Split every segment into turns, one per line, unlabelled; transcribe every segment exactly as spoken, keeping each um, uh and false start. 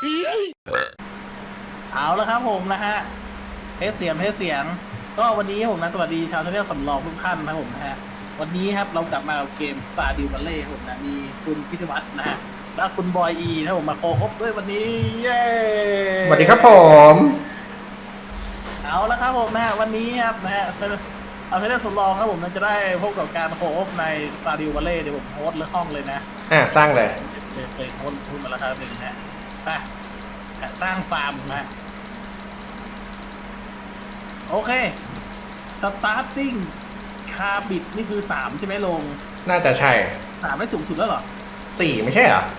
เอาแล้วครับผมนะฮะเทสเสียงเทสเสียงก็วันนี้ผมนะสวัสดีชาวชาแนลสำรองทุกท่านนะผมนะฮะวันนี้ครับเรากลับมากับเกม Stardew Valley ครับผมนะมีคุณพิทวัฒน์นะฮะและคุณบอยอีนะผมมาโคฮบด้วยวันนี้เย้
สวัสดีครับผม
เอาแล้วครับผมนะฮะวันนี้ครับนะฮะเอาชาแนลสำรองครับผมนะจะได้พบกับการโคฮบใน Stardew Valley เดี๋ยวผมโฮสต์เรื่องห้องเลยนะ
อ่าสร้างเลย
เคยเคยโฮสต์พูดมาแล้วครับหนึ่งนะไปสร้างฟาร์มนะโอเค starting คาบิดนี่คือสามใช่ไหมลง
น่าจะใช่
สามไม่สูงสุดแล้วเหรอ
สี่ไม่ใช่เหรอ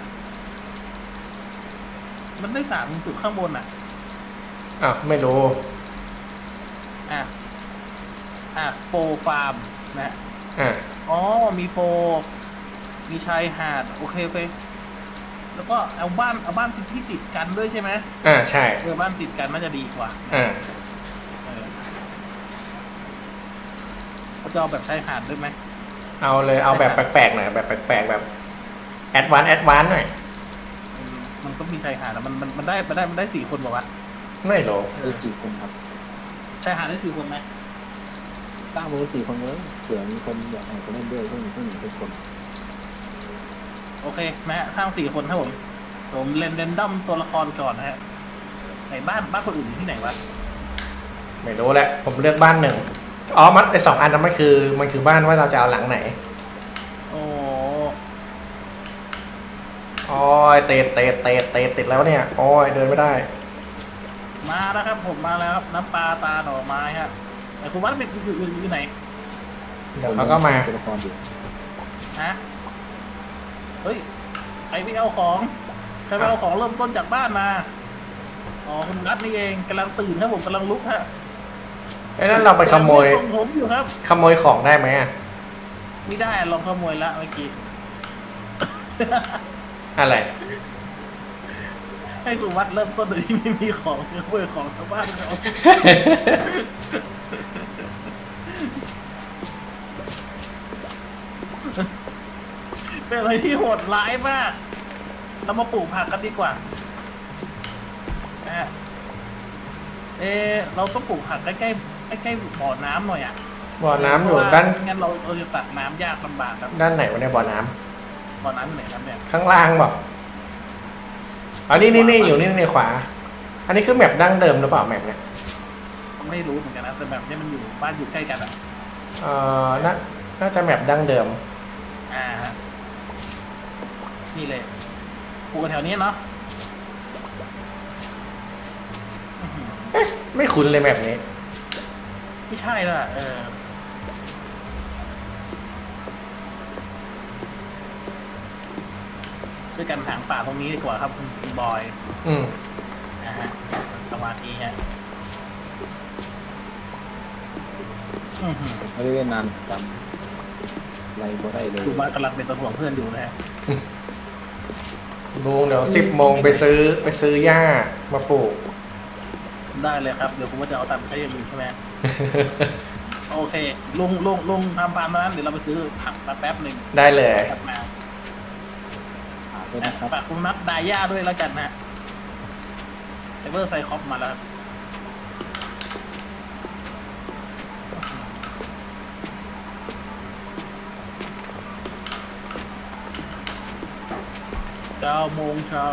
มันได้สามสูงสุดข้างบนอ่ะ
อ้าวไม่รู้
อ่ะ อ่ะโฟฟาร์มนะ
อ่า
อ๋อ มีโฟ มีชายหาด โอเคโอเค แล้วก็เอาบ้านเอาบ้านที่ติดกันด้วยใช่ไหม
อ่าใช่
เออบ้านติดกันน่าจะดีกว่า
อ่า
เออเขาจะเอาแบบชายหาดด้วยไหม
เอาเลยเอาแบบแปลกๆหน่อยแบบแปลกๆแบบแอดวานซ์แอดวานซ์หน่อย
มันต้องมีชายหาดแล้วมันมันมันได้มันได้มันได้สี่คนป่าวะ
ไม่รู้
ได้สี่คนครับ
ชายหาดได้สี่คนไหม
ตั้งมือสี่คนเลยเผื่อมีคนอยากให้คนเล่นด้วยเพิ่งเพิ่งเป็นคน
โอเคนะฮะทั้งสี่คนครับผม ผมเรนเดนดัมตัวละครก่อนนะฮะไหนบ้านบ้านคนอื่นอยู่ที่ไหนวะ
ไม่รู้แหละผมเลือกบ้านหนึ่งอ๋อมันไอสองอันนั้นมันคือมันคือบ้านว่าเราจะเอาหลังไหน
โอ้
โอ้ยเตะเตะเตะเตะติดแล้วเนี่ยโอ้ยเดินไม่ได้
มาแล้วครับผมมาแล้วครับน้ำปลาตาหน่อไม้ครับแต่คุณวัดเป็นอยู่อยู่อยู่ไหน
เดี๋ยวเขาก็มา
ตัวละครอยู่
ฮะเฮ้ยใครไปเอาของใครไปเอาของเริ่มต้นจากบ้านมาอ๋อคุณนัทนี่เองกำลังตื่นครับผมกำลังลุกฮะ
ไอ้นั่นเราไปขโมย
ส่งผมอยู่ครับ
ขโมยของได้ไหมอ่ะ
ไม่ได้ลองขโมยละเมื่อกี้
อะไร
ให้คุณวัดเริ่มต้นโดยที่ไม่มีของขโมยของชาวบ้านเขาเป็นอะไรที่โหดร้ายมาก เรามาปลูกผักกันดีกว่านะฮะเออเราต้องปลูกผักใกล้ๆใกล้ๆบ่อน้ำหน่อยอ่ะ
บ่อน้ำอยู่
เพระว่
ด้าน
งั้นเราเราจะตักน้ำยากลำบากครับ
ด้านไหนวะเนี่ยบ่อน้ำ
บ่อน้ำไหนครับเนี่ย
ข้างล่างบอกอ๋อนี่นี่นี่อยู่นี่ในขวา อันนี้คือแมปดั้งเดิมหรือเปล่าแมปเนี่ย
ไม่รู้เหมือนกันนะแต่แบบนี้มันอยู่บ้านอยู่ใกล้กันอ่ะ
เอ่อน่าน่าจะแมปดั้งเดิม
อ่าฮะนี่เลยปลูกกันแถวนี้เนาะอื้อหือ
เอ๊ะไม่คุ้นเลยแมปนี้
ไม่ใช่แล้วอะเออช่วยกันหางป่าตรงนี้ดีกว่าครับคุณคุณบอย
อืม
นะฮะสมาธิฮะอื้อหือ
ไม่ได้เล่นนานจำอะไรบ่ได้เลย
ดูบ้านกำลังเป็นตัวห่วงเพื่อนอยู่นะฮะ
ลุงเดี๋ยวสิบโมงไปซื้อไปซื้อหญ้ามาปลูก
ได้เลยครับ เดี๋ยวผมก็จะเอาตังค์ใช้อย่างอื่นใช่ไหม โอเค ลุงลุงลุงทำฟาร์มตอนนั้นเดี๋ยวเราไปซื้อผักมาแป๊บหนึ่ง
ได้เลย
กลับมา
หาด้วยนะครับ
ฝากคุณนับดาย่าด้วยแล้วกันนะไซเบอร์ไซคอปมาแล้วเก้าโมงเช้า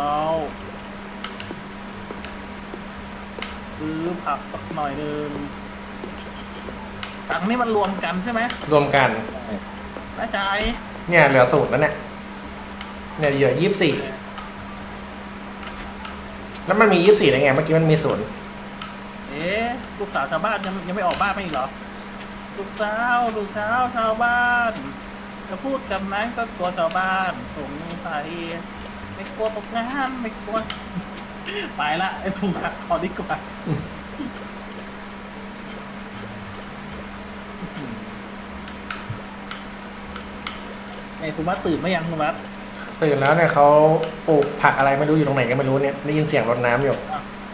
ซื้อผักสักหน่อยหนึ่งถังนี่มันรวมกันใช่ไหม
รวมกัน
แน่ใจ
เนี่ยเหลือสูตรแล้วเนี่ยเนี่ยเหลือยี่สิบสี่แล้วมันมียี่สิบสี่ได้ไงเมื่อกี้มันมีศูนย์
เอ๊ะลูกสาวชาวบ้านยังยังไม่ออกบ้านไม่อีกเหรอ ลูกสาวลูกสาวชาวบ้านจะพูดกับนั้นก็ตัวชาวบ้านสงสัยไม่กลัวตกงานไม่กลัว ไปละไอ้ถูกหักขอดีกว่าไอ้คุณวัดตื่นไหมยังคุณวัด
ตื่นแล้วเนี่ยเขาปลูกผักอะไรไม่รู้อยู่ตรงไหนก็ไม่รู้เนี่ยได้ยินเสียงรดน้ำอยู่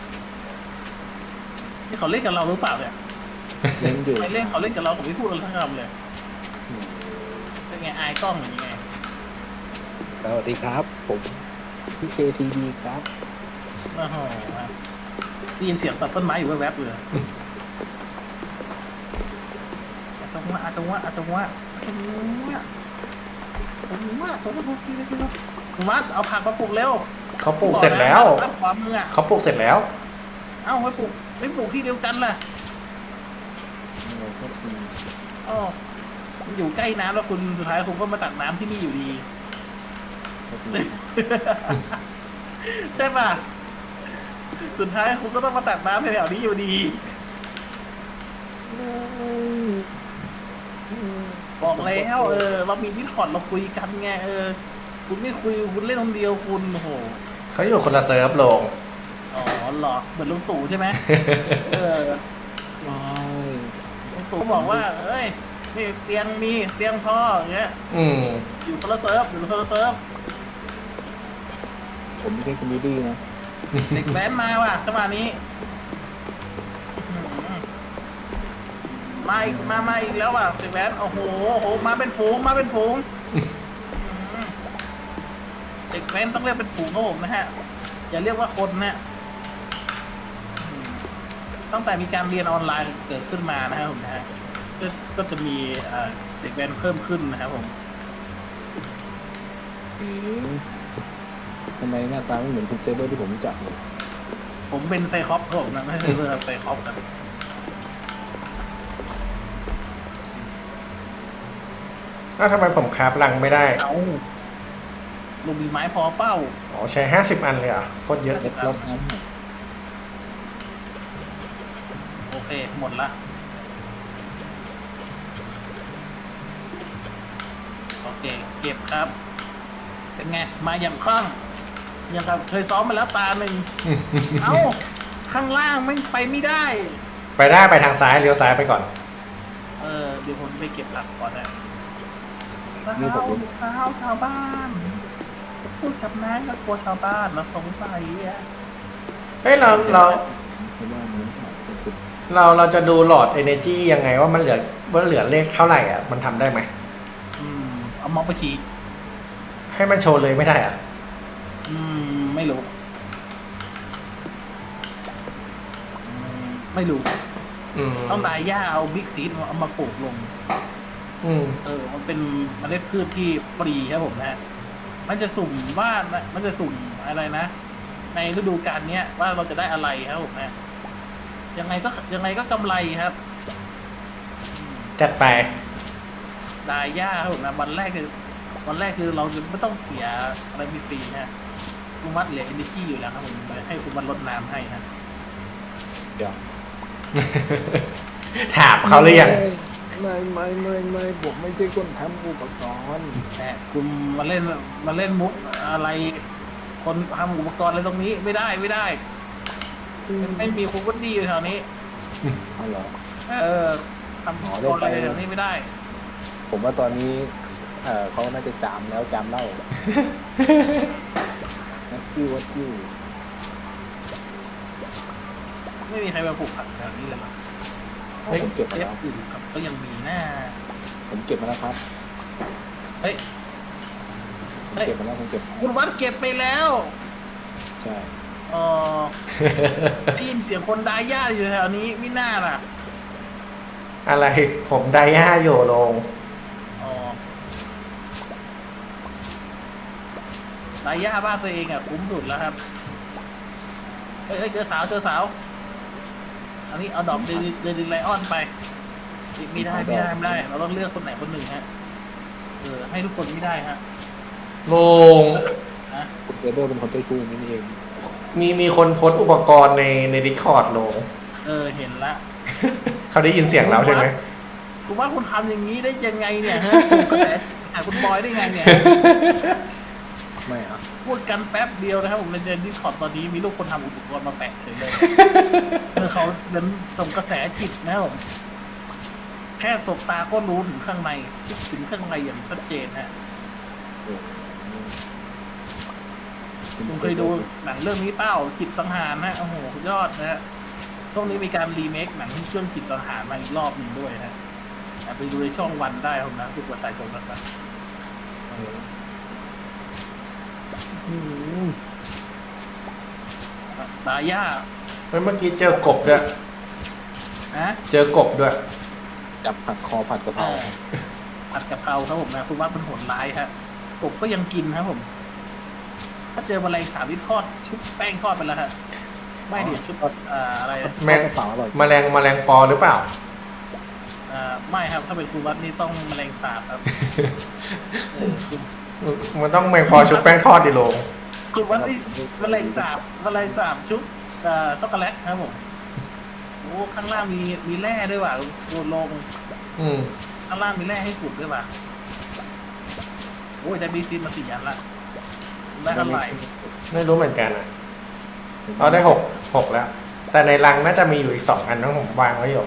นี่เขาเล่นกับเราหรือเปล่าเนี่ย
เล่นอยู่
ไม่เล่นเขาเล่นกับเราผมไม่พูดอะไรทั้งคำเลยเป็นไงอายกล้องอย่างไง
สวัสดีครับ ผมพี่เคทีดีครับ
โอ้โหได้ยินเสียงตัดต้นไม้อยู่แวบๆเลยอาตงวะอาตงวะอาตงวะอาตงวะอาตงวะอาตงวะอาตงวะคุณวัดเอาผักมาปลูกเร็ว
เขาปลูกเสร็จแล้ว
รับขวามืออ่ะ
เขาปลูกเสร็จแล้ว
เอ้าไม่ปลูกไม่ปลูกที่เดียวกันล่ะ
เราก็คือ
อ๋อมันอยู่ใกล้น้ำแล้วคุณสุดท้ายคุณก็มาตักน้ำที่นี่อยู่ดี
ก็คือ
ใช่ป่ะ สุดท้ายคุณก็ต้องมาตักน้ำแถวๆนี้อยู่ดี บอกแล้วเออ เรามีดิสคอร์ดเราคุยกันไงเออ คุณไม่คุยคุณเล่นคนเดียวคุณโอ้โห
เขาอยู่คนละเซิร์ฟลง
อ๋อเหรอเหมือนลุงตู่ใช่ไหม เออ
ว้าย
ลุงตู่บอกว่า เอ้ยนี่เตียงมีเตียงพออย่างเงี้ย
อืม
อยู่คนละเซิร์ฟอยู่คนละเซิร์ฟ
ผมไม่ใช่คอมเมดี้นะ
เด็กแว้นมาว่ะจังหวะนี้อืมมาอีกมามาอีกแล้วว่ะเด็กแว้นโอ้โหโอ้โหมาเป็นฝูงมาเป็นฝูงอืมเด็กแว้นต้องเรียกเป็นฝูงครับผมนะฮะอย่าเรียกว่าคนนะอืมตั้งแต่มีการเรียนออนไลน์เกิดขึ้นมานะครับผมนะฮะก็ก็จะมีเอ่อเด็กแว้นเพิ่มขึ้นนะครับผม
ทำไมหน้าตาไม่เหมือนคุณเซเบอร์ที่ผมรู้จักเลย
ผมเป็นไซคอปครับผมนะไม่ใช่เพื่อไซคอปนะ
อ้าวทำไมผมคราฟลังไม่ได้
เอาลุงมีไม้พอเป้า
อ๋อ ใช้ห้าสิบอันเลยเหรอ่ะโคตรเยอะ
เล็ดลบน้ำหน่อย
โอเค หมดละ โอเค เก็บครับ เป็นไง มาอย่างคล่องยังกับเคยซ้อมมาแล้วตาหนึ่ง เอ้า ข้างล่างไม่ไปไม่ได้
ไปได้ไปทางซ้ายเลี้ยวซ้ายไปก่อน
เออ เดี๋ยวผมไปเก็บผักก่อนนะสาวสาวชาวบ้านพูดกับนายแล้วกลัวชาวบ้านแล้วสงสัยอ่ะ
เฮ้ยเราเรา
เพราะว่ามันขาดเป็น
เราเราจะดูหลอด energy ยังไงว่ามันเหลือว่าเหลือเลขเท่าไหร่อ่ะ มันทำได้ไหม
อืม เอามองไปชี้
ให้มันโชว์เลยไม่ได้อ่ะ
อืม ไม่รู้อืมไม่รู้
อืม
ต้องดายหญ้าเอาบิ๊กซีดเอามาปลูกลง
อืม
เออ มันเป็นเมล็ดพืชที่ฟรีครับผมนะ มันจะสุ่มว่ามันจะสุ่มอะไรนะ ในฤดูกาลเนี้ยว่าเราจะได้อะไรครับผมนะ ยังไงก็ยังไงก็กำไรครับ
จัดไป
ดายหญ้าครับผมนะวันแรกคือวันแรกคือเราจะไม่ต้องเสียอะไรฟรีๆนะคุณวัดเหลือเอเนจีอยู่แล้วครับผมให้คุณวัดลดน้ำให้นะ
เดี๋ยว
ถามเขาหรือยัง
ไม่ไม่ไม่ไม่ผมไม่ใช่คนทำอุปกรณ์
แต่คุณมาเล่นมาเล่นมุกอะไร คนทำอุปกรณ์อะไรตรงนี้ไม่ได้ไม่ได้ ไม่มีคุณวัดดีอยู่แถวนี้
อ๋อเหรอ
เออทำอุปกรณ์อะไรแถวนี้ไม่ได้
ผมว่าตอนนี้ เออเขาน่าจะจามแล้วจามเล่านักกิ้ววัดกิ้ว
ไม่มีใครมาปลูกผักแถวนี้เลยหรอ
เฮ้ย
ผมเก็บ
เช
มา
ฟ
แล้ว
อื่นครับก็ยังมีหน้า
ผมเก็บมาแล้วครับ
เฮ้ย
ผมเก็บมาแล้วผมเก็บ
คุณวัดเก็บไปแล้ว
ใช่
เออได้ยินเสียงคนดายหญ้าอยู่แถวนี้ไม่น่าล่ะ
อะไรผมไดย่าโยลง
อ๋อดายหญ้าบ้านตัวเองอ่ะคุ้มสุดแล้วครับเฮ้ยเฮ้ยเจอสาวเจอสาวอันนี้เอาดอกเดลิเดลิไลออนไปไม่ได้ไม่ได้ไม่ได้ เราต้องเลือกคนไหนคนหนึ่งฮะเออให้ทุกคนไม่ได้ฮะ
ลง
นะ
คุณเซเบอร์เป็นคนใจชูนี่เอง
มีมีคนโพสต์อุปกรณ์ในในดิสคอร์ดลง
เออเห็นละ
เขาได้ยินเสียงเราใช่ไหม
คุณว่าคุณทำอย่างนี้ได้ยังไงเนี่ยฮะคุณกระแสหาคุณบอยได้ไงเนี่ย
ไม่อะ
พูดกันแป๊บเดียวนะครับผมในดิสคอร์ดตอนนี้มีลูกคนทำอุปกรณ์มาแปะเฉยเลยเออเขาเดินส่งกระแสจิตนะครับผมแค่สบตาก็รู้ถึงข้างในคิดถึงข้างในอย่างชัดเจนฮะคุณเคยดูหนังเรื่องนี้เปล่าจิตสังหารนะโอ้โหสุดยอดนะฮะช่วงนี้มีการรีเมคหนังเรื่องจิตสังหารมาอีกรอบหนึ่งด้วยนะไปดูในช่องวันได้ครับนะทุกวันสายตรงนะครับ
อืม
ตายาก
เฮ้ยเมื่อกี้เจอกบด้วย
นะ
เจอกบด้วย
จับผัดคอผัดกะเพ
เอ
รา
อผัดกะเพราครับผมนะคุณว่ามันโหดร้ายครับกบก็ยังกินครับผม ถ้าเจอแมลงสาบที่ทอดชุบแป้งทอดไปแล้วฮะไม่เดี๋ยวชุบอ่าอะไรนะ
แมง
กระเป๋าอร่อย
แมลงแมลงปอหรือเปล่า
อ่าไม่ครับถ้าเป็นคุณวัดนี่ต้องแมลงสาบครับเออคุณ
มันต้องแมงปอชุบแป้งทอดดิโลง
คุณวัดนี่แมลงสาบแมลงสาบชุบอ่าช็อกโกแลตครับผมโอ้ข้างล่างมีมีแร่ด้วยว่ะโดนลง
อืม
ข้างล่างมีแร่ให้ขุดด้วยว่ะโอ้ยได้บีซีมาสี่อันละได้เท่าไหร่
ไม่รู้เหมือนกันอ่ะเอาได้หกหกแล้ว แต่ในรังน่าจะมีอยู่อีกสองอันต้องผมวางไว้อยู่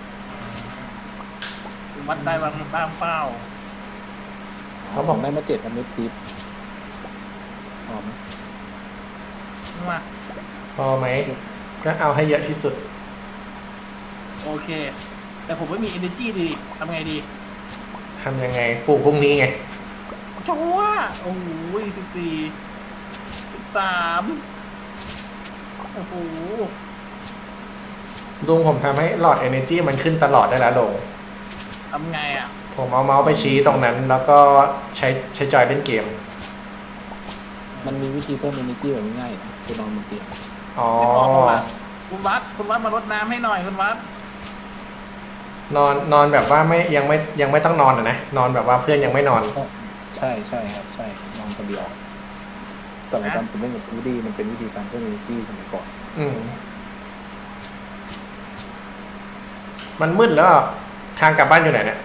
คุณวัดได้บางบ้างเป้า
เขาบอกได้มาเจ็ดอเมทิปหอม
มา
พอไหม ก็เอาให้เยอะที่สุด
โอเค แต่ผมไม่มี energy ดีทำไงดี
ทำยังไง ปลูกพรุ่งนี้ไง
ชัวร์โอ้โหสิบสี่สิบสามโอ้โห
ลุงผมทำให้หลอด energy มันขึ้นตลอดได้แล้วลง
ทำไงอ่ะ
ผมเอาเมาส์ไปชี้ตรงนั้น แล้วก็ใช้ใช้จอยเล่นเกม
มันมีวิธีเพิ่มเอเนจีแบบง่ายๆนะคือนอนบนเตียง
อ๋อ
ไม่พอคุณวัดคุณวัดคุณวัดมารดน้ำให้หน่อยคุณวัด
นอนนอนแบบว่าไม่ยังไม่ยังไม่ต้องนอนอ่ะนะ นอนแบบว่าเพื่อนยังไม่นอน
ใช่ใช่ครับใช่นอนคนเดียวแต่ในตอนผมเล่นกับวูดี้มันเป็นวิธีการเพิ่มเอเนจีสมัยก่อน
อืม มันมืดแล้วอะทางกลับบ้านอยู่ไหนเนี่ย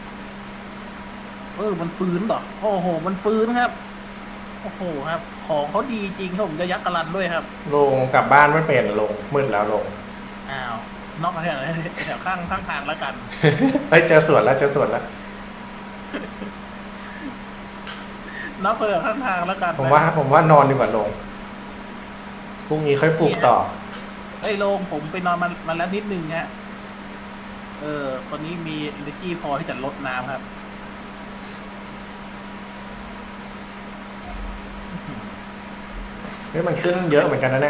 เออมันฟื้นเหรอโอ้โห มันฟื้นครับ โอ้โหครับ ของเขาดีจริงครับผมจะยักกะลันด้วยครับ
ลงกลับบ้านไม่เป็นลงมืดแล้วลง
อ้าวนอกมาแถวแถวข้างข้างทางแล้วกัน
เอ้ยเจอสวนแล้วเจอสวนแล้ว
นอกไปแถวข้างทางแล้วกัน
ผมว่า ผมว่านอนดีกว่าลงพรุ่งนี้ค่อยปลูกต่อ
ไอ้ยโลงผมไปนอนมันมันแล้วนิดนึงฮะเออตอนนี้มี energy พอที่จะลดน้ำครับ
เฮ้ยมันขึ้นเยอะเหมือนกันนะเนี่ย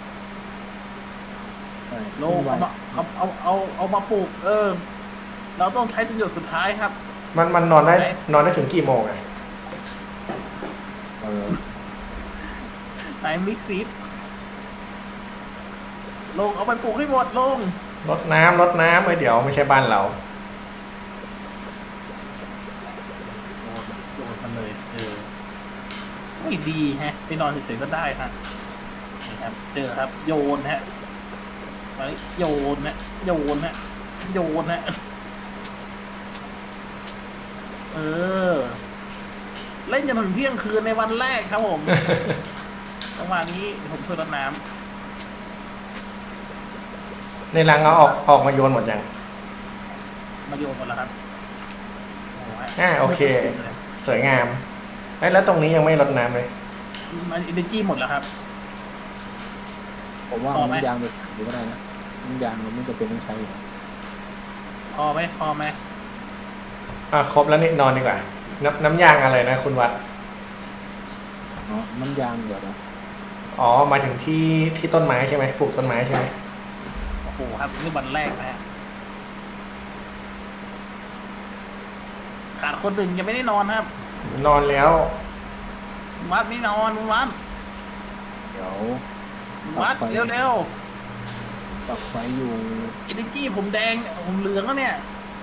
ใช่
โลงเอามาเอาเอาเอาเอามาปลูก เออ เราต้องใช้จนหยดสุดท้ายครับ
มันมันนอนได้นอนได้ถึงกี่โมงอะ
เออ
ไหนมิกซีดลงเอาไปปลูกให้หมดลง
รดน้ำรดน้ำเอ้ยเดี๋ยวไม่ใช่บ้านเรา
โยนมันเลย เออไม่ดีฮะ ไปนอนเฉยๆก็ได้ฮะนี่ครับ เจอครับ โยนฮะไปโยนฮะโยนฮะโยนฮะเออ เล่นจนถึงเที่ยงคืนในวันแรกครับผม จังหวะนี้เดี๋ยวผมช่วยรดน้ำ
ในรังเอาออกออกมาโยนหมดยัง
มาโยนหมดแล้วครับโอ้โห
อ่าโอเค สวยงามเอ้ยแล้วตรงนี้ยังไม่รดน้ำเลย
มันอินเนจีหมดแล้วครับ
ผมว่า
พอไหม
น้ำยางไปหรือก็ได้นะน้ำยางมันไม่จำเป็นต้องใช้
พอไหมพอไหม
อ่ะครบแล้วนี่นอนดีกว่า น้ำน้ำยางอะไรนะคุณวัด
อ๋อน้ำยางเดี๋ยวนะ
อ๋อหมายถึงที่ที่ต้นไม้ใช่ไหมปลูกต้นไม้ใช่ไหม
โอ้โหครับนี่วันแรกนะฮะขาดคนหนึ่งยังไม่ได้นอนครับ
นอนแล้ว
วัดไม่นอนวัด
เดี๋ยว
วัดเร็ว
ตักไฟอยู่
ๆอินเนจีผมแดงผมเหลืองแล้วเนี่ย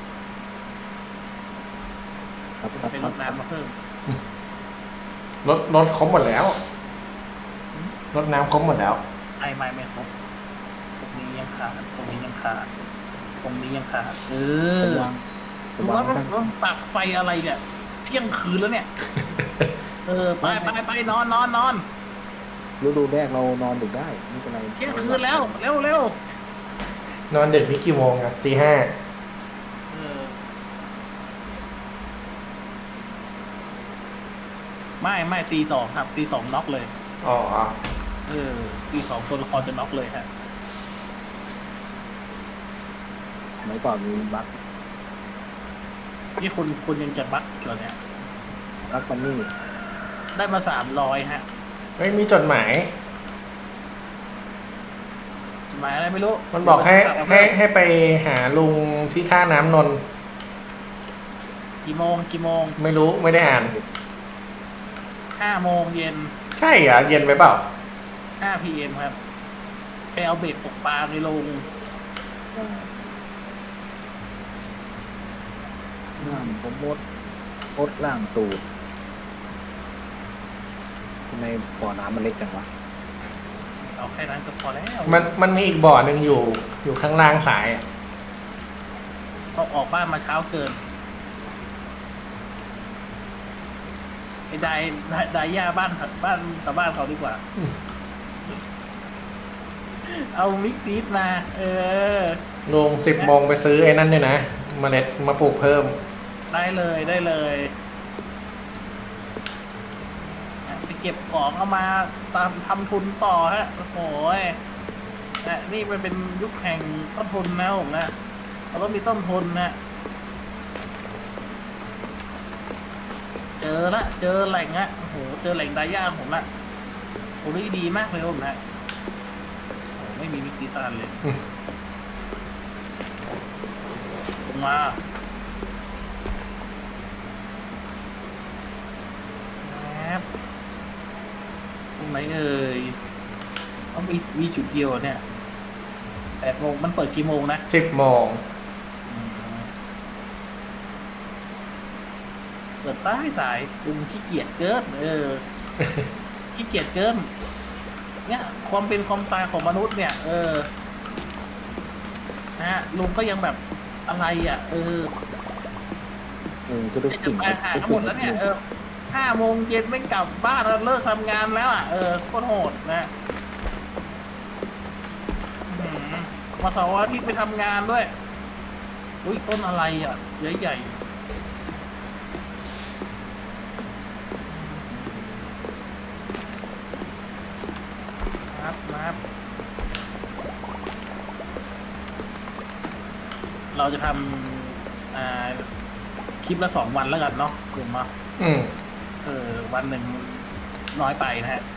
ครับครับ
เป็น
ค
ร
รับ
ดน้ำมาเพิ่ม
รถรถครบหมดแล้ว รถน้ำครบหมดแล้ว
ไอ้ไม่ไม่ครบตรงนี้ยังขาดตรงนี้ยังขาดตรงนี้ยังขาดเออ
วาง
คุณ
วา
วั
ง
ด
ตั้ง
ต้องตักไฟอะไรเนี่ย เที่ยงคืนแล้วเนี่ย เออไปไปไปนอนนอนนอน
ฤดูแรกเรานอนดึกได้ไม่เป็นไร
เที่ยงคืนแล้วเร็วเร็วน
อนดึกนี่กี่โมงอะตีห้า
เออไม่ไม่ตีสองครับตีสองน็อกเลย
อ๋อ
เออตีสองตัวละครจะน็อกเลยฮะ
สมัยก่อนมีบัค
นี่คุณคุณยังจะบักเหรอเนี่ย
บัคมันนี่
ได้มาสามร้อยฮะ
เฮ้ยมีจดหมาย
หมายอะไรไม่รู้
มันบอกให้
เดี๋ยว
ให้
ไป
ให้ไปหาลุงที่ท่าน้ำนนท์
กี่โมงกี่โมง
ไม่รู้ไม่ได้อ่าน
ห้าโมงเย็น
ใช่เหรอเย็นไปเปล่า
ห้าพีเอ็มครับไปเอาเบ็ดตกปลาในลง
ล่างผมมดมดล่างตูดทำไมบ่อน้ำมันเล็กจังวะ
เอาแค่นั้นก็พอแล้ว
มันมันมีอีกบ่อหนึ่งอยู่อยู่ข้างล่างสายอ่ะ
ก็ออกบ้านมาเช้าเกินไอ้ไดไดไดย่าบ้านบ้านกับบ้านเขาดีกว่า เอามิกซีดมา เออ
ลุงสิบโมงไปซื้อไอ้นั่นด้วยนะเมล็ดมาปลูกเพิ่ม
ได้เลยได้เลยไปเก็บของเอามาตามทำทุนต่อฮะโอ้โหยนะนี่มันเป็นยุคแห่งต้นทุนนะผมนะเราต้องมีต้นทุนนะเจอละเจอแหล่งฮะโอ้โหเจอแหล่งดาย่าผมละโอ้ยดีมากเลยผมนะโอ้ไม่มีมิกซีซานเลยลงมาครับตรงไหนเอ่ยต้องมีมีจุดเดียวเนี่ยแปดโมงมันเปิดกี่โมงนะ
สิบโมง
เปิดสายสายลุงขี้เกียจเกินเออ ขี้เกียจเกินเนี่ยความเป็นความตายของมนุษย์เนี่ย เออนะฮะลุงก็ยังแบบอะไรอ่ะ เออ
เออก็ได้
จะ
สิ่ง
ไปหาทั้งหมดแล้วเนี่ยเออห้าโมงเย็นไม่กลับบ้านแล้วเลิกทำงานแล้วอ่ะเออโคตรโหดนะอื้อหือมาเสาร์อาทิตย์ไปทำงานด้วยอุ้ยต้นอะไรอ่ะใหญ่ๆนับนับเราจะทำอ่าคลิปละสองวันแล้วกันเนาะถูกไหม
อืม
เออวันหนึ่งน้อยไปนะฮะ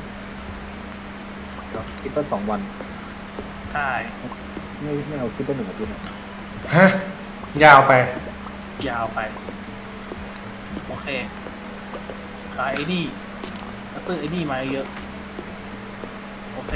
คิดว่าสองวัน
ใช่
ไม่ไม่เอาคิดว่าหนึ่งอาทิตย์นะ
ฮะ ยาวไป
ยาวไป โอเค ขายไอ้นี่แล้วซื้อไอ้นี่มาเยอะ โอเค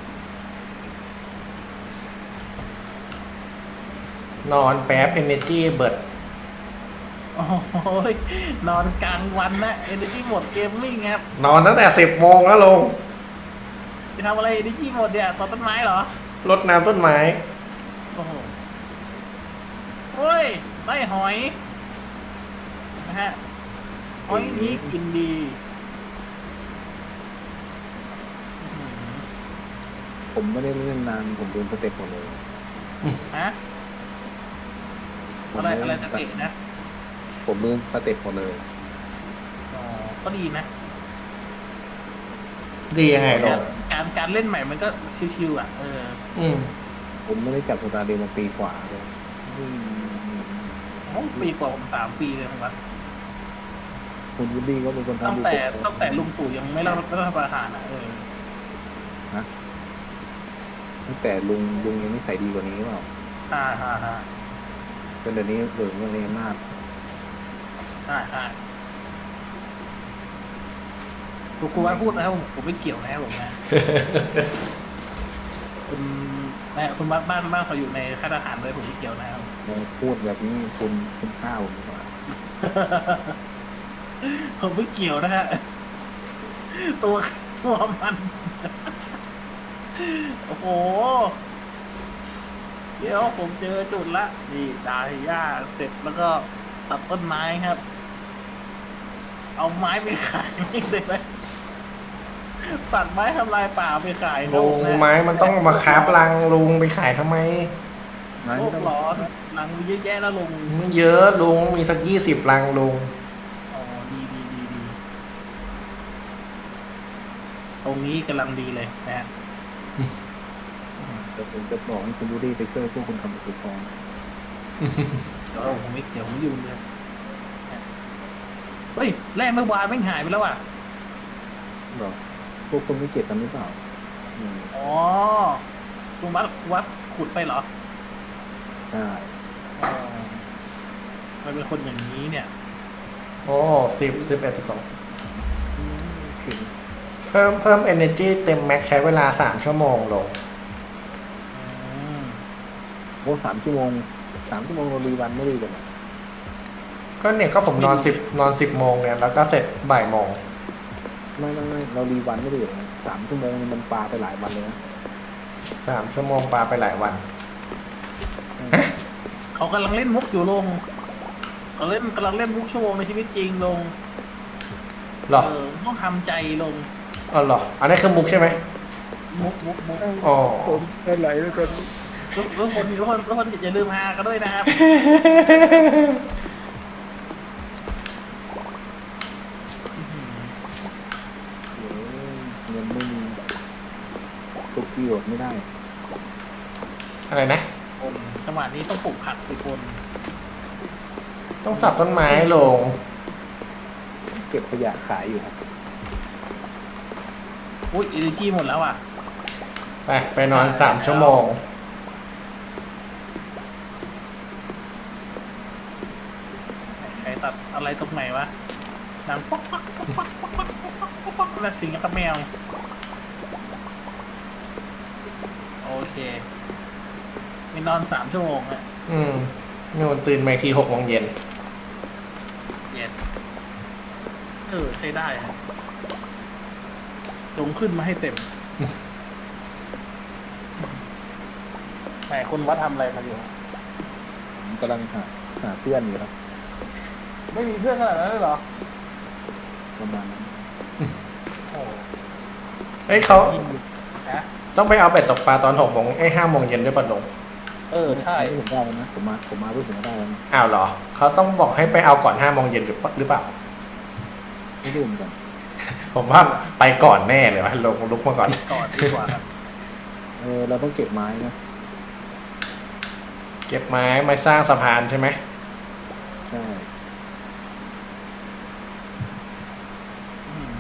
นอนแป๊บ energy เบิด
โอ้ยนอนกลางวันนะเอเนจีหมดเกมมิ่งครับ
นอนตั้งแต่สิบโมงแล้วลุง
จะทำอะไรเอเนจีหมดเนี่ยตอนต้นไม้เหรอ
รดน้ำต้นไม้
โอ้โหเฮ้ยได้หอย นะฮะ หอยนี้กินดีอื้อหือ
ผมไม่ได้เล่นนานผมเดินสเต็ปหมดเลย
ฮะ อะไรอะไรสเต็ปนะ
ผมเดินสเต็ปหมดเลย
อ๋อ ก็ดีนะ
ดียังไงลุง
การการเล่นใหม่มันก็ชิวๆอ่ะ เออ
อืม
ผมไม่ได้จับสตาร์เดย์มาปีกว่าเลยอืม
โอ้ปีกว่าผมสามปีเลยผมว่า
คุณวูดดี้ก็เป็นคนทำ
ตั้งแต่
ดีกว่า
ตั้งแต่ลุงตู่ยังไม่รับรัฐประหารอ่ะ เออ
ตั้งแต่ลุงลุงยังนิสัยดีกว่านี้เปล่า
ฮ่าฮ่าฮ่า
จนเดี๋ยวนี้เหลืองเรื่องนี้มาก
ใช่ใช่คุณครูว่าพูดนะครับผมผมไม่เกี่ยวนะครับผมนะ คุณแม่คุณบ้านบ้านบ้านเขาอยู่ในค่ายทหารด้วยผมไม่เกี่ยวนะครับ
เราพูดแบบนี้คุณคุณข้าวผมดีกว่า
ผมไม่เกี่ยวนะฮะ ตัวตัวมัน โอ้โห เดี๋ยวผมเจอจุดละ นี่ดายหญ้าเสร็จแล้วก็ตัดต้นไม้ครับ เอาไม้ไปขายนี่เลยไหมตัดไม้ทำลายป่าไปขายครับ
ลุ
ผ
ง
นะ
ไม้มันต้องมาคราฟรังลุงไปขายทำไม
ไม้
โล
ไม่
ก
ต้อง
ร้อนหนังมีเยอะแยะแล้วลุง
ไม่เยอะลุงมีสักยี่สิบรังลุง
อ๋อ ดีดีดีดี ตรงนี้กำลังดีเลยนะฮะ
แต่ผมจะบอกให้คุณวูดดี้ไปช่วยพวกคุณทำสุดฟอง
เดี๋ยวผมไม่เกี่ยวผมยุ่งเลยเฮ้ยแร่เมื่อวานไม่งหายไปแล้วอ่ะ
หรอพวกคุณไม่เก็บกันหรือเปล่าอืม
อ๋อลุงวัดวัดขุดไปเหรอ
ใช่
อ๋อมันเป็นคนอย่างนี้เนี่ย
โอ้สิบสิบเอ็ดสิบสอง
ถึง
เพิ่มเพิ่ม energy เต็มแม็กใช้เวลาสามชั่วโมงลง
อืม
โอ้สามชั่วโมงสามชั่วโมงเรารีวันไม่ดีกันเหรอ
ก็เนี่ยก็ผมนอนสิบนอนสิบโมงเนี่ยแล้วก็เสร็จบ่ายโมง
ไม่ไม่ไม่เรารีวันไม่ดีเหรอสามชั่วโมงนี่มันปาไปหลายวันเลยนะ
สามชั่วโมงปาไปหลายวัน
เขากำลังเล่นมุกอยู่ลงเขาเล่นกำลังเล่นมุกชั่วโมงในชีวิตจริงลง
หรอ
เออต้องทำใจลง
อ๋อหรอ อันนี้คือมุกใช่ไหม
มุกมุกมุก
อ๋อ
ผมได้ไหลแล้วกัน
ทุกทุกคนทุกคนทุกคนอย่าลืมฮากันด้วยนะครับ
เดี๋ยวเงินไม่มีตุกประโยชน์ไม่ได้
อะไรนะ
จังหวะนี้ต้องปลูกผักสิคน
ต้องสับต้นไม้ลง
เก็บขยะขายอยู่ครับ
อุ้ยอินจีหมดแล้วอ่ะ
ไปไปนอนสามชั่วโมง
ใครตัดอะไรตรงไหนวะหนังป๊อกป๊อกป๊อกป๊อกป๊อกป๊อกป๊อกป๊อกป๊อกแล้วสิงกับแมวโอเคมีนอนสามชั่วโมงอะ
อืมนู่นตื่นมาอีกทีหกโมงเย็น
เย็นเออใช้ได้ฮะจงขึ้นมาให้เต็มไหนคุณวัดทำอะไรมาอยู่
ผมกำลังหาหาเพื่อนอยู่ครับ
ไม่มีเพื่อนขนาดนั้นเลยเหรอ
ประมาณนั้น
โอ้
เฮ้ยเขา
ฮะ
ต้องไปเอาเบ็ดตกปลาตอนหกโมงไอ้ห้าโมงเย็นด้วยปะลง
เออใช่
ไม่ผมได้แล้วนะผมมาผมมาเพื่อผมได้แล้วนะ
อ้าวเหรอ เขาต้องบอกให้ไปเอาก่อนห้าโมงเย็นหรือเปล่าหรือเปล่า
ไม่รู้เหมือนกัน
ผมว่าไปก่อนแน่เลยวะลงลุกมาก่อน
ก่อนดีกว่าครับ
เออเราต้องเก็บไม้นะ
เก็บไม้มาสร้างสะพานใช่ไหม
ใช่
อืม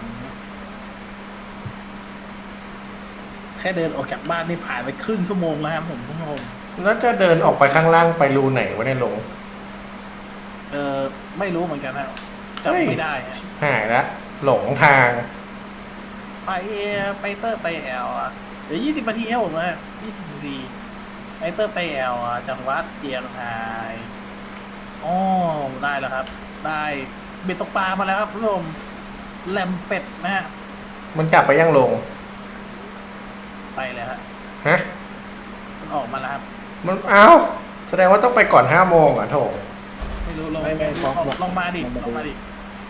แค่เดินออกจากบ้านนี่ผ่านไปครึ่งชั่วโมงแล้วครับผมคุณผู้ชม
แล้วจะเดินออกไปข้างล่างไปรูไหนวะเนี่ยลง
เออไม่รู้เหมือนกันนะ
เฮ้ย
จำไม่ได้ฮะ
หายละหลงทาง
ไปไปเตอร์ไปแอลอ่ะเดี๋ยวยี่สิบนาทีครับผมนะยี่สิบนาทีไปเตอร์ไปแอลอ่ะจังหวัดเชียงรายอ๋อได้แล้วครับ ได้เบ็ดตกปลามาแล้วครับคุณผู้ชมแหลมเป็ดนะฮะ
มันกลับไปยังลง
ไปเลยฮะ
ฮะ
มันออกมาแล้วครับ
มันเอ้าแสดงว่าต้องไปก่อนห้าโมงอ่ะโถ
ไม่รู้ลอง
ไม่ไม่
ล
ฟ้
อ
อง ง
ลองมาดิ
ลองมา
ลองมา
ดิ
ดิ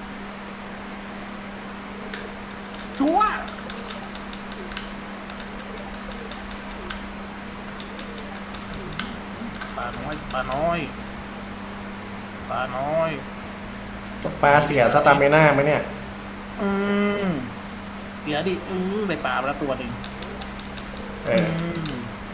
ชัวร์ปลาน้อยปลาน้อยปลาน้อย
ตกปลาเสียสตามิน่าไหมเนี่ย
อืมเสียดิอืมได้ปลามาแล้วตัวหนึ่ง
เออ
ม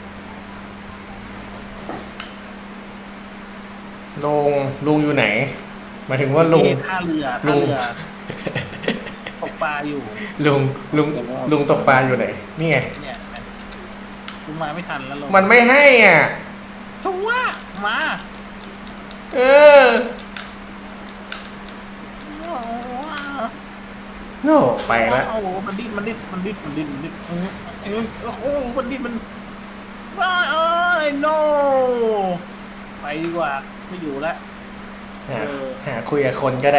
ลุงลุงอยู่ไหนหมายถึงว่าลุง
ที่ท่าเรือ
ลุ
ท่าง เรือตกปลาอยู่
ลุงลุงลุงตกปลาอยู่ไหน นี่ไง
เนี่ยคุณมาไม่ทันแล้วลง
มันไม่ให้อ่ะ
ชัวร์มา
เออโน่ไปแล้ว
โอ้โหมันดิ้นมันดิ้นมันดิ้นมันดิ้นมันดิ้นอืมอืมโอ้โหมันดิ้นมันว้าเอ้ย no ไปดีกว่า ไม่อยู่แล้ว
หา
เออ
หาคุยกับคนก็ได้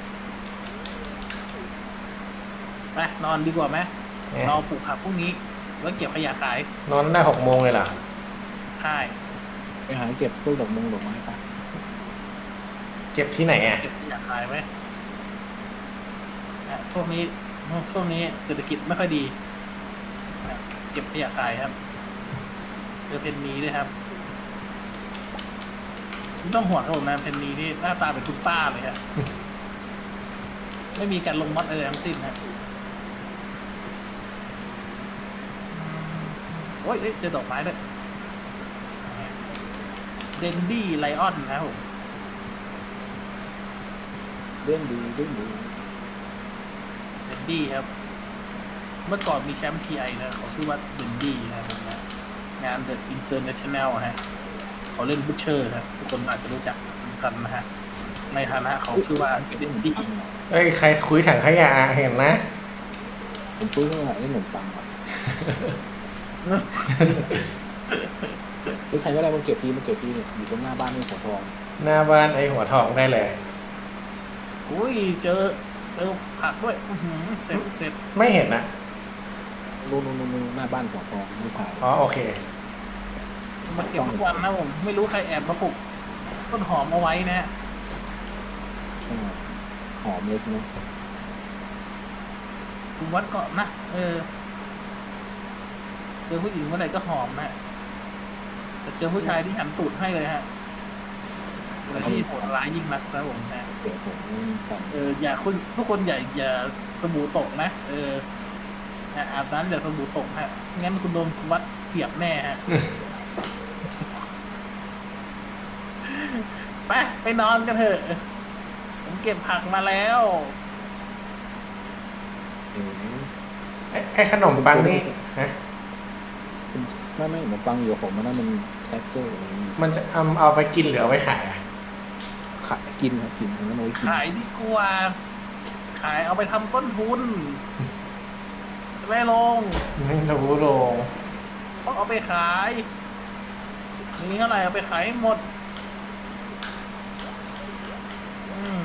ไปนอนดีกว่าไหม
เนี่ย
เราปลูกผักพรุ่งนี้ แล้วเก็บขยะขาย
นอนได้หกโมงเลยเหรอ
ใช่
ไปหาเก็บพวกดอกมงดอกไม้ไป
เก็บที่ไหนอ่ะ
เก็บขยะขายไหมอ่ะช่วงนี้ช่วงนี้เศรษฐกิจไม่ค่อยดีอ่ะเก็บขยะขายครับเจอเพนนีด้วยครับไม่ต้องห่วงครับผมนะเพนนีนี่หน้าตาเป็นคุณป้าเลยครับ ไม่มีการลงมัดอะไรทั้งสิ้นครับอืมโอ้ยเอ๊ะเจอดอกไม้ด้วยเดนดี้ไลออนนะครับผม
เล่นดีเล่นดี
เดนดี้ครับ เมื่อก่อนมีแชมป์ทีไอนะเขาชื่อว่าเดนดี้นะครับผมนะงาน The International ฮะเขาเล่นบูชเชอร์ครับทุกคนอาจจะรู้จักกันนะฮะในฐานะเขาชื่อว่าเล่นดี
เอ้ยใครคุยถังขยะเห็นนะ
ผมซื้อมาได้ขนมปังครับหรือใครก็ได้มันเก็บทีมันเก็บทีเนี่ยอยู่ตรงหน้าบ้านนี่หัวทอง
หน้าบ้านไอ้หัวทองได้เลย
อุ้ยเจอเจอผักด้วยอื้อหือเสร็จเสร็จ
ไม่เห็นนะ
นู่นนู่นนู่นหน้าบ้านหัวทองไม่ผ่าน
อ๋อโอเค
มาเก็บทุกวันนะผมไม่รู้ใครแอบมาปลูกต้นหอมเอาไว้นะฮะ
หอมเล็กนะ
คุณวัดก็นะเออเจอผู้หญิงเมื่อไหร่ก็หอมนะแต่เจอผู้ชายที่หันตูดให้เลยฮะอะไรที่โหดร้ายยิ่งนักนะผมนะ
เดี๋ยวผมสั่ง
เอออย่าคุณทุกคนอย่าอย่าสบู่ตกนะเออนะอาบน้ำอย่าสบู่ตกฮะงั้นคุณโดนคุณวัดเสียบแน่ฮะ ไปไปนอนกันเถอะผมเก็บผักมาแล้ว
เออ
ไอ้ไอ้ขนมปังนี่ฮะ
ไม่ไม่ขนมปังอยู่ผมมันนั่นมันแคปเจอร์อะไรนี่
มันจะเอาเอาไปกินหรือเอาไปขายอะ
ขายกินครับกินมันเอาไว้กิน
ขายดีกว่า ขายเอาไปทำต้นทุนไม่ลง
ไม่รู้ลง
ต้องเอาไปขายมีเท่าไหร่เอาไปขายให้หมด อืม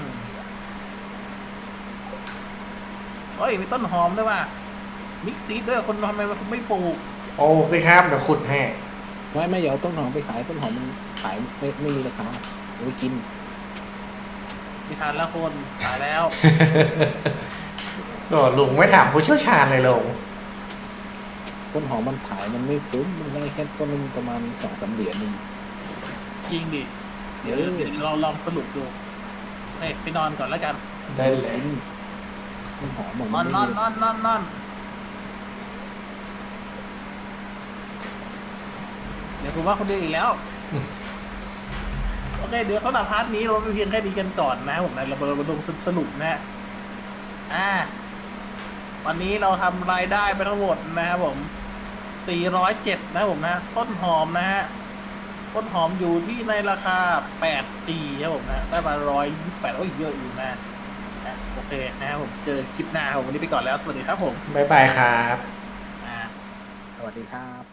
เฮ้ยมีต้นหอมด้วยว่ะมิกซีดด้วยคนทำไมคุณไม่ปลูก
โอ้สิครับเดี๋ยวขุดให้
ไม่ไม่เดี๋ยวต้นหอมไปขายต้นหอมมันขายไม่ไม่มีราคาเอาไว้กิน
มีทานแล้วคนขายแล้ว
โอ้ลุงไม่ถามผู้เชี่ยวชาญเลยลุง
ต้นหอมมันขายมันไม่คุ้มมันได้แค่ต้นนึงประมาณสองสามเหรียญนึง
จริงดิ เดี๋ยวเดี๋ยวเราลองสรุปดูเฮ้ยไปนอนก่อนแล้วกัน
ได้เลย
ต้นหอมเหมือน
นอนนอนนอนนอนนอนเดี๋ยวผมว่าคนเดียวอีกแล้ว โอเค เดี๋ยวสำหรับพาร์ทนี้เราไปเพียงแค่นี้กันก่อนนะผมนะเราเราลงสรุปนะ อ่า วันนี้เราทำรายได้ไปทั้งหมดนะครับผม สี่ร้อยเจ็ดนะผมนะ ต้นหอมนะฮะ ต้นหอมอยู่ที่ในราคา แปดจี ครับผมนะ ได้มาหนึ่งร้อยยี่สิบแปดโอ้ยเยอะอยู่นะนะโอเคนะครับผม เจอคลิปหน้าครับผมวันนี้ไปก่อนแล้ว สวัสดีครับผม
บ๊ายบายครับ
อ่า
สวัสดีครับ